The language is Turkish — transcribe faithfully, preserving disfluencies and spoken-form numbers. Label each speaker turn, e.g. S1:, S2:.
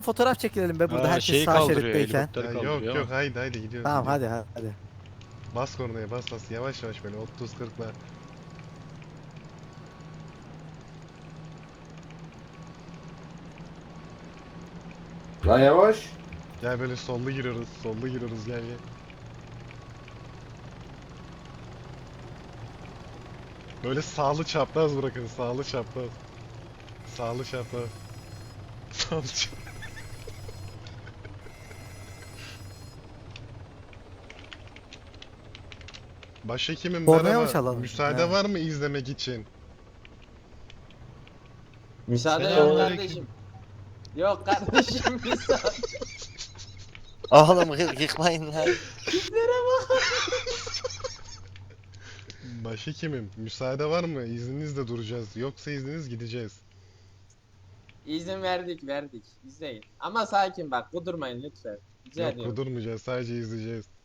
S1: fotoğraf çekilelim be burada
S2: Ha,
S1: herkes
S2: şeyi
S1: sağ
S2: kaldırıyor,
S1: şeritteyken.
S2: helikopteri
S3: Ya
S2: kaldırıyor.
S3: yok yok haydi haydi gidiyoruz.
S1: Tamam
S3: gidiyoruz.
S1: hadi hadi.
S3: Bas kornaya bas bas yavaş yavaş böyle otuz kırkla.
S4: Lan yavaş.
S3: Gel böyle sollu giriyoruz sollu giriyoruz gel gel. Böyle sağlı çapraz bırakın sağlı çapraz. Sağlı çapraz. Sağlı çapraz. Başhekimim
S1: Kornaya mı
S3: merhaba.
S1: çalalım?
S3: Müsaade
S1: Ha.
S3: var mı izlemek için?
S5: Müsaade yok
S3: Selamünaleyküm.
S5: kardeşim. Yok kardeşim müsaade.
S6: Oğlum yık- yıkmayın lan.
S3: Başhekimim müsaade var mı? İzninizle duracağız. Yoksa izniniz gideceğiz.
S5: İzin verdik verdik. İzleyin. Ama sakin bak kudurmayın lütfen. Rica
S3: Yok
S5: ediyorum.
S3: kudurmayacağız sadece izleyeceğiz.